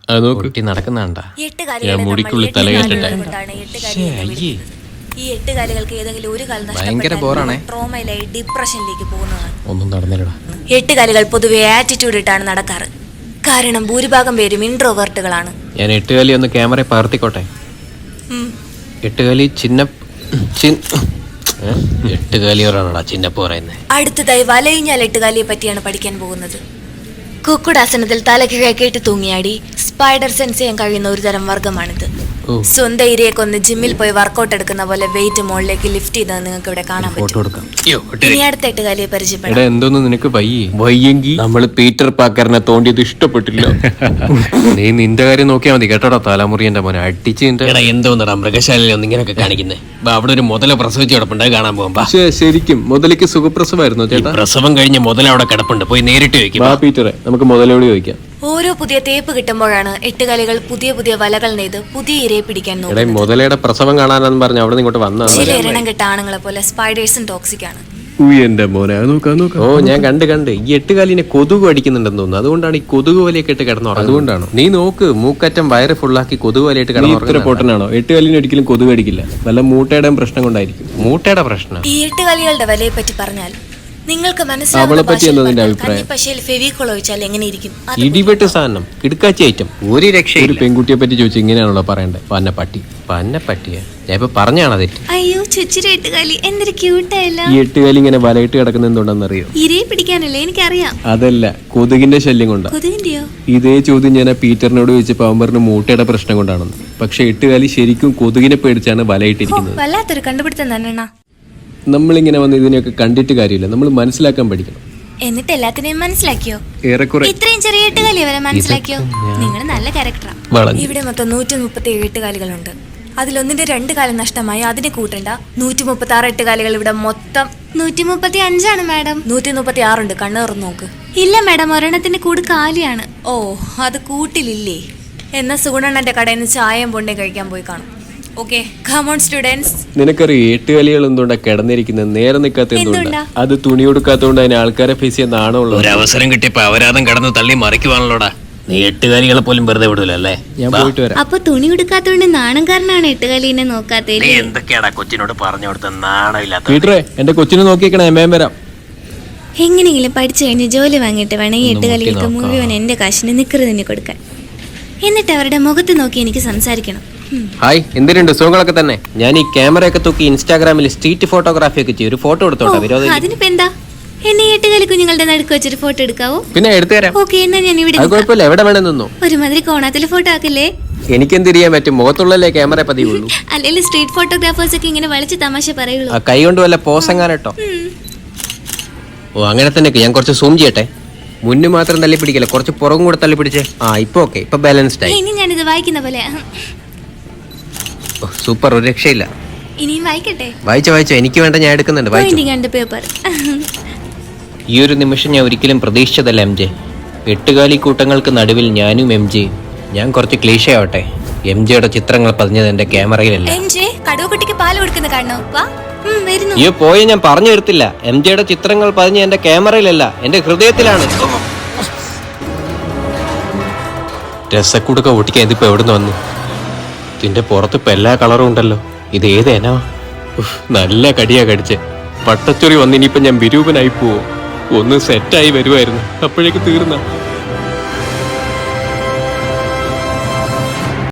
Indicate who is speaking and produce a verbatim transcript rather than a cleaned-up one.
Speaker 1: നടക്കുന്നുണ്ടാ മുടിക്കുള്ളിൽ തലകേറ്റിട്ടെ
Speaker 2: ഈ എട്ടുകാലികൾക്ക് ഏതെങ്കിലും ഒരു കാലം
Speaker 1: ഭയങ്കര ബോറാണേ.
Speaker 2: ട്രോമയിലായി ഡിപ്രഷനിലേക്ക് പോകുന്നതാണ്.
Speaker 1: ഒന്നും നടന്നില്ലടാ.
Speaker 2: എട്ടുകാലികൾ പൊതുവെ ആറ്റിറ്റ്യൂഡ് ഇട്ടാണ് നടക്കാറ്. കാരണം ഭൂരിഭാഗം പേരും ഇൻട്രോവേർട്ടുകളാണ്.
Speaker 1: ഞാൻ എട്ടുകാലി ഒന്ന് ക്യാമറ പകർത്തിക്കോട്ടെ. എട്ടുകാലി ചിന്ന എട്ടുകാലിയോറാണോടാ ചിന്നപ്പ് പറയുന്നത്.
Speaker 2: അടുത്തതായി വലയിഞ്ഞാൽ എട്ടുകാലിയെ പറ്റിയാണ് പഠിക്കാൻ പോകുന്നത്. കുക്കുടാസനത്തിൽ തലകിഴക്കേട്ട് തൂങ്ങിയാടി സ്പൈഡർ സെൻസ് ചെയ്യാൻ കഴിയുന്ന ഒരു തരം വർഗമാണിത്. സ്വന്തം ഇരയെ കൊന്ന് ജിമ്മിൽ പോയി വർക്കൗട്ട് എടുക്കുന്ന പോലെ വെയിറ്റ് മുകളിലേക്ക് ലിഫ്റ്റ് ചെയ്തത് നിങ്ങൾക്ക് ഇവിടെ കാണാൻ പറ്റും. ഇനി അടുത്ത എട്ടുകാലിയെ പരിചയപ്പെടാം.
Speaker 1: എന്തോന്ന് നിനക്ക് വയ്യെങ്കിൽ നമ്മള് പീറ്റർ പാക്കറിനെ തോണ്ടിയത് ഇഷ്ടപ്പെട്ടില്ല. നീ നിന്റെ കാര്യം നോക്കിയാൽ മതി കേട്ടോടാ. തലമുറി എന്റെ മോനെ അടിച്ച് എന്തോന്നടാ മൃഗശാലയിൽ ഒന്ന് ഇങ്ങനെയൊക്കെ കാണിക്കുന്നേ. അവിടെ ഒരു മുതല പ്രസവിച്ച് കിടപ്പുണ്ട്, കാണാൻ പോകുമ്പോ. ശരിക്കും മുതലേക്ക് സുഖപ്രസവമായിരുന്നു ചേട്ടാ. പ്രസവം കഴിഞ്ഞ് മുതല അവിടെ കിടപ്പുണ്ട്, പോയി നേരിട്ട് ചോദിക്കും. പീറ്ററെ നമുക്ക് മുതലോട് ചോദിക്കാം.
Speaker 2: ഓരോ പുതിയ തേപ്പ് കിട്ടുമ്പോഴാണ് എട്ടുകാലികൾ പുതിയ പുതിയ വലകൾ നെയ്ത് പുതിയ ഇരയെ പിടിക്കാൻ നോക്കുന്നത്.
Speaker 1: മുതലയുടെ പ്രസവം കാണാനെന്ന് പറഞ്ഞ അവിടെ ഇങ്ങോട്ട് വന്ന
Speaker 2: ചില ഇരണം കെട്ട ആണുങ്ങളെ പോലെ സ്പൈഡേഴ്സും ടോക്സിക് ആണ്.
Speaker 1: ഓ ഞാൻ കണ്ട് കണ്ട് ഈ എട്ടുകാലിനെ കൊതുക് അടിക്കുന്നുണ്ടെന്ന് തോന്നുന്നു. അതുകൊണ്ടാണ് ഈ കൊതുക് വലയൊക്കെ ഇട്ട് കിടന്നു. അതുകൊണ്ടാണ് നീ നോക്ക് മൂക്കറ്റം വയറ് ഫുള്ളാക്കി കൊതുക് വലയിട്ട് കിടന്നു. പൊട്ടനാണോ? എട്ടുകാലിനെ ഒരിക്കലും കൊതുക് അടിക്കില്ല. വല്ല മൂട്ടയുടെ പ്രശ്നം കൊണ്ടായിരിക്കും. മൂട്ടയുടെ പ്രശ്നം.
Speaker 2: ഈ എട്ടുകാലികളുടെ വലയെ പറ്റി പറഞ്ഞാൽ നിങ്ങൾക്ക്
Speaker 1: ഇടിവെട്ട് സാധനം കിടക്കാച്ചി ഐറ്റം ഒരു രക്ഷ. ഒരു പെൺകുട്ടിയെ പറ്റി ചോദിച്ചു ഇങ്ങനെയാണല്ലോ പറയണ്ടേ. പന്നപ്പട്ടി പന്നപ്പട്ടിയാ ഞാൻ ഇപ്പൊ പറഞ്ഞാണ് തെറ്റ്.
Speaker 2: അയ്യോ ചുച്ചിരി എട്ടുകാലി എന്തൊരു ക്യൂട്ടായല്ലോ.
Speaker 1: ഈ എട്ടുകാലി ഇങ്ങനെ വലയിട്ട് കിടക്കുന്ന എന്തുകൊണ്ടെന്നറിയോ?
Speaker 2: ഇരയെ പിടിക്കാനല്ലേ? എനിക്കറിയാം.
Speaker 1: അതല്ല, കൊതുകിന്റെ ശല്യം കൊണ്ടാ.
Speaker 2: കൊതുകിന്റെയോ?
Speaker 1: ഇതേ ചോദ്യം ഞാൻ പീറ്ററിനോട് ചോദിച്ചപ്പോ അവൻ പറഞ്ഞു മൂട്ടയുടെ പ്രശ്നം കൊണ്ടാണെന്ന്. പക്ഷെ എട്ടുകാലി ശരിക്കും കൊതുകിനെ പേടിച്ചാണ് വലയിട്ടിരിക്കുന്നത്.
Speaker 2: വല്ലാത്തൊരു കണ്ടുപിടുത്തം തന്നെ.
Speaker 1: നമ്മളിങ്ങനെ വന്ന് ഇതിനെയൊക്കെ കണ്ടിട്ട് കാര്യമില്ല, നമ്മൾ മനസ്സിലാക്കാൻ പഠിക്കണം.
Speaker 2: എന്നിട്ട് എല്ലാത്തിനെയും മനസ്സിലാക്കിയോ?
Speaker 1: ഏറെക്കുറെ.
Speaker 2: ഇത്രയും ചെറിയ എട്ടുകാലി വരെ മനസ്സിലാക്കിയോ? നിങ്ങൾ നല്ല ക്യാരക്ടറാണ്. ഇവിടെ മൊത്തം നൂറ്റി മുപ്പത്തി ഏഴ് എട്ടുകാലികളുണ്ട്. അതിലൊന്നിന്റെ രണ്ട് കാലം നഷ്ടമായി, അതിനെ കൂട്ടണ്ട. നൂറ്റി മുപ്പത്തി ആറ് എട്ടുകാലികൾ ഇവിടെ മൊത്തം. നൂറ്റി മുപ്പത്തി അഞ്ചാണ് മാഡം. നൂറ്റി മുപ്പത്തി ആറുണ്ട്, കണ്ണു തുറന്ന് നോക്ക്. ഇല്ല മാഡം, ഒരെണ്ണത്തിന്റെ കൂട് കാലിയാണ്. ഓ അത് കൂട്ടിലില്ലേ? എന്നാ സുഗുണണ്ണന്റെ കടയിൽ നിന്ന് ചായയും പൊണ്ണേ കഴിക്കാൻ പോയി കാണും. Okay, come on students.
Speaker 1: നിനക്കറിയോ എട്ടുകാലികൾ എന്തുകൊണ്ടാ കിടന്നിരിക്കുന്നത്? നേരെ നിൽക്കാത്ത എന്തുകൊണ്ടാ? അത് തുണി കൊടുക്കാത്തോണ്ട് അതിന് ആൾക്കാരെ ഫേസ് ചെയ്യാൻ നാണമുള്ളൂ. ഒരു അവസരം കിട്ടിയപ്പോ അവരാധം കടന്ന് തള്ളി മറിക്കുവാണല്ലോടാ. നീ എട്ടുകാലികളെ പോലും വെറുതെ വിടൂലല്ലേ? ഞാൻ പോയിട്ട് വരാം.
Speaker 2: അപ്പൊ തുണി കൊടുക്കാത്തോണ്ട് നാണംകാരനാണ് എട്ടുകാലിനെ നോക്കാത്തേ.
Speaker 1: നീ എന്തൊക്കെയാടാ കൊച്ചിനോട് പറഞ്ഞു കൊടുത്ത നാണമില്ലാത്ത. പീറ്ററെ എന്റെ കൊച്ചിനെ നോക്കിയേക്കണേ, മേം വരാം.
Speaker 2: എങ്ങനെയെങ്കിലും പഠിച്ചു കഴിഞ്ഞ് ജോലി വാങ്ങിയിട്ട് വേണം ഈ എട്ടുകാലികൾക്ക് മുഴുവൻ എന്റെ കാശിന് നിക്കറ് തന്നെ കൊടുക്കാൻ. എന്നിട്ട് അവരുടെ മുഖത്ത് നോക്കി എനിക്ക് സംസാരിക്കണം.
Speaker 1: ഹായ്, എന്തിനുണ്ട്? സുഖങ്ങളൊക്കെ തന്നെ. ഞാൻ ഈ ക്യാമറയൊക്കെ തൂക്കി ഇൻസ്റ്റാഗ്രാമിൽ സ്ട്രീറ്റ് ഫോട്ടോഗ്രാഫി ഒക്കെ ചെയ്യും. ഒരു ഫോട്ടോ എടുത്തോട്ടെ? വിരോധം?
Speaker 2: അതിനിപ്പോ എന്താ? എന്നെ എട്ടുകാലി കുഞ്ഞുങ്ങളുടെ നടുക്ക് വെച്ചൊരു ഫോട്ടോ എടുക്കാവോ?
Speaker 1: പിന്നെ എടുത്തുതരാം.
Speaker 2: ഓക്കെ, എന്നാ ഞാൻ ഇവിടെ.
Speaker 1: കുഴപ്പമില്ല, എവിടെ വേണം നിന്നോ.
Speaker 2: ഒരുമാതിരി കോണാത്തില് ഫോട്ടോ ആക്കല്ലേ.
Speaker 1: എനിക്കെന്തിരിയാൻ പറ്റും? മുഖത്തുള്ളല്ലേ ക്യാമറ പതിവുള്ളൂ.
Speaker 2: അല്ലെങ്കിൽ സ്ട്രീറ്റ് ഫോട്ടോഗ്രാഫേഴ്സ് ഒക്കെ ഇങ്ങനെ വലിച്ച് തമാശ പറയുള്ളൂ.
Speaker 1: ആ കൈ കൊണ്ട് വല്ല പോസെങ്ങാനട്ടോ. ഓ അങ്ങനെ തന്നെ. ഞാൻ കുറച്ച് സൂം ചെയ്യട്ടെ. മുന്നു മാത്രം തള്ളി പിടിക്കല്ലേ, കുറച്ച് പുറകും കൂടെ തള്ളി പിടിച്ചേ. ആ ഇപ്പൊ ഓക്കെ, ഇപ്പൊ ബാലൻസ്ഡ് ആയി.
Speaker 2: ഇനി ഞാനിത് വായിക്കുന്ന പോലെ.
Speaker 1: സൂപ്പർ, ഒരു രക്ഷയില്ല.
Speaker 2: ഇനിയും വായിക്കട്ടെ?
Speaker 1: വായിച്ച വായിച്ച എനിക്ക് വേണ്ട, ഞാൻ എടുക്കുന്നുണ്ട്. ഈ ഒരു നിമിഷം ഞാൻ ഒരിക്കലും പ്രതീക്ഷിച്ചതല്ല എം ജെ. എട്ടുകാലി കൂട്ടങ്ങൾക്ക് നടുവിൽ ഞാനും എം ജെ. ഞാൻ കുറച്ച് ക്ലീഷേ ആവട്ടെ. എം ജെയുടെ ചിത്രങ്ങൾ പതിഞ്ഞത് എന്റെ ക്യാമറയിലല്ല. അയ്യോ പോയ, ഞാൻ പറഞ്ഞു തരത്തില്ല. എം ജെയുടെ ചിത്രങ്ങൾ പതിഞ്ഞ എന്റെ ക്യാമറയിലല്ല, എന്റെ ഹൃദയത്തിലാണ്. രസക്കൂടൊക്കെ ഓട്ടിക്കാൻ ഇതിപ്പോ എവിടുന്ന് വന്നു? ഇതിന്റെ പുറത്ത് ഇപ്പൊ എല്ലാ കളറും ഉണ്ടല്ലോ. ഇത് ഏതേനാ? നല്ല കടിയാ കടിച്ചേ. പട്ടച്ചൊറി വന്നിനിയിപ്പൊ ഞാൻ വിരൂപനായി പോവോ? ഒന്ന് സെറ്റായി വരുമായിരുന്നു, അപ്പോഴേക്ക് തീർന്ന.